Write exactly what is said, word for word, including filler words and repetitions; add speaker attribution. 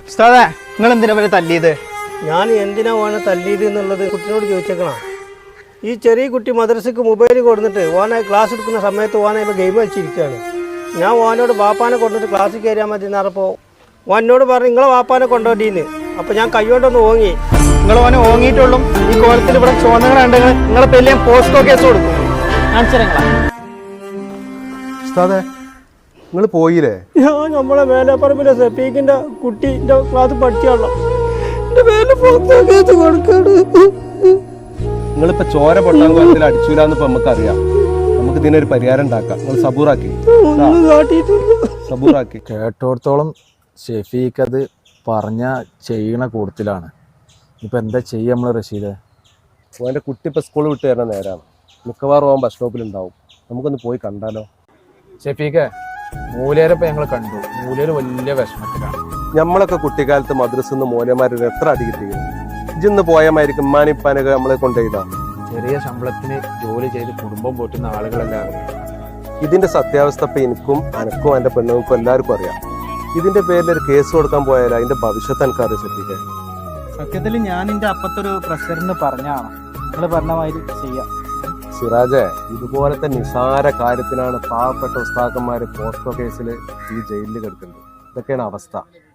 Speaker 1: ഉസ്താദേ, നിങ്ങൾ എന്തിനാ വരെ തല്ലിയത്?
Speaker 2: ഞാൻ എന്തിനാ ഓനെ തല്ലിയത് എന്നുള്ളത് കുട്ടിനോട് ചോദിച്ചേക്കണം. ഈ ചെറിയ കുട്ടി മദ്രസക്ക് മൊബൈൽ കൊടുത്തിട്ട് ഓനെ ക്ലാസ് എടുക്കുന്ന സമയത്ത് ഓനെ ഇപ്പോൾ ഗെയിം കളിച്ചിരിക്കുകയാണ്. ഞാൻ ഓനോട് വാപ്പാനെ കൊണ്ടിട്ട് ക്ലാസ്സിൽ കയറിയാൽ മതി എന്നറിഞ്ഞപ്പോൾ ഓനോട് പറഞ്ഞു നിങ്ങളെ വാപ്പാനെ കൊണ്ടുപോട്ടീന്ന്. അപ്പോൾ ഞാൻ കൈകൊണ്ടൊന്ന് ഓങ്ങി.
Speaker 1: നിങ്ങൾ ഓനെ ഓങ്ങിയിട്ടുള്ളൂ. ഈ കോലത്തിൽ ഇവിടെ ചോദനകളുണ്ടെങ്കിൽ നിങ്ങളെ പേരിൽ ഞാൻ പോസ്റ്റോ കേസ് കൊടുക്കും.
Speaker 3: ഉസ്താദേ, നിങ്ങൾ പോയില്ലേ?
Speaker 2: ഞാൻ നമ്മളെ മേലെപ്പറമ്പിലെ സെപ്പീക്കിൻ്റെ കുട്ടീൻ്റെ ക്ലാസ് പഠിച്ചാണല്ലോ എൻ്റെ പേരിൽ പോസ്റ്റോ കേസ് കൊടുക്കാണ്.
Speaker 3: നിങ്ങളിപ്പോ ചോര പൊട്ടാൻ കോലത്തിൽ അടിച്ചൂലെന്ന് ഇപ്പൊ നമുക്കറിയാം. നമുക്ക് ഇതിനൊരു പരിഹാരം ഉണ്ടാക്കാം. നിങ്ങൾ സബൂറാക്കി സബൂറാക്കി
Speaker 4: കേട്ടോടത്തോളം ഷെഫീഖ് അത് പറഞ്ഞ ചെയ്യണ കൂട്ടത്തിലാണ്. ഇപ്പൊ എന്താ ചെയ്യാ നമ്മള് റഷീദ്?
Speaker 3: ഓൻ്റെ കുട്ടി ഇപ്പൊ സ്കൂൾ വിട്ട് തരുന്ന നേരമാണ്. മിക്കവാറും ഓൻ ബസ് സ്റ്റോപ്പിൽ ഉണ്ടാവും. നമുക്കൊന്ന് പോയി കണ്ടാലോ?
Speaker 4: ഷെഫീഖ്, മൂലേരപ്പം ഞങ്ങൾ കണ്ടു. മൂലേര് വലിയ വിഷമത്തിലാണ്.
Speaker 3: നമ്മളൊക്കെ കുട്ടിക്കാലത്ത് മദ്രസന്ന് മൂലമാരൊരു എത്ര അടി കിട്ടിയിരുന്നു. ഇജിന്ന് പോയമായിരിക്കും ഉമ്മാനിപ്പാനൊക്കെ നമ്മളെ കൊണ്ടുപോയതാണ്.
Speaker 4: ചെറിയ ശമ്പളത്തിന് ജോലി ചെയ്ത് കുടുംബം പോറ്റുന്ന ആളുകളെല്ലാം.
Speaker 3: ഇതിന്റെ സത്യാവസ്ഥ ഇപ്പൊ എനിക്കും അനക്കും എന്റെ പെണ്ണുങ്ങൾക്കും എല്ലാവർക്കും അറിയാം. ഇതിന്റെ പേരിൽ ഒരു കേസ് കൊടുക്കാൻ പോയാൽ അതിന്റെ ഭവിഷ്യത്ത് എനിക്കറിയാം. ശ്രദ്ധിക്കാൻ
Speaker 1: സത്യത്തിൽ ഞാൻ എൻ്റെ അപ്പത്തൊരു പ്രഷറിന് പറഞ്ഞാണ് നിങ്ങൾ പറഞ്ഞ മാതിരി ചെയ്യാം.
Speaker 3: സിറാജെ, ഇതുപോലത്തെ നിസാര കാര്യത്തിനാണ് പാവപ്പെട്ട ഉസ്താക്കന്മാര് പോസ്റ്റോ കേസിൽ ഈ ജയിലിൽ കിടക്കുന്നത്. ഇതൊക്കെയാണ് അവസ്ഥ.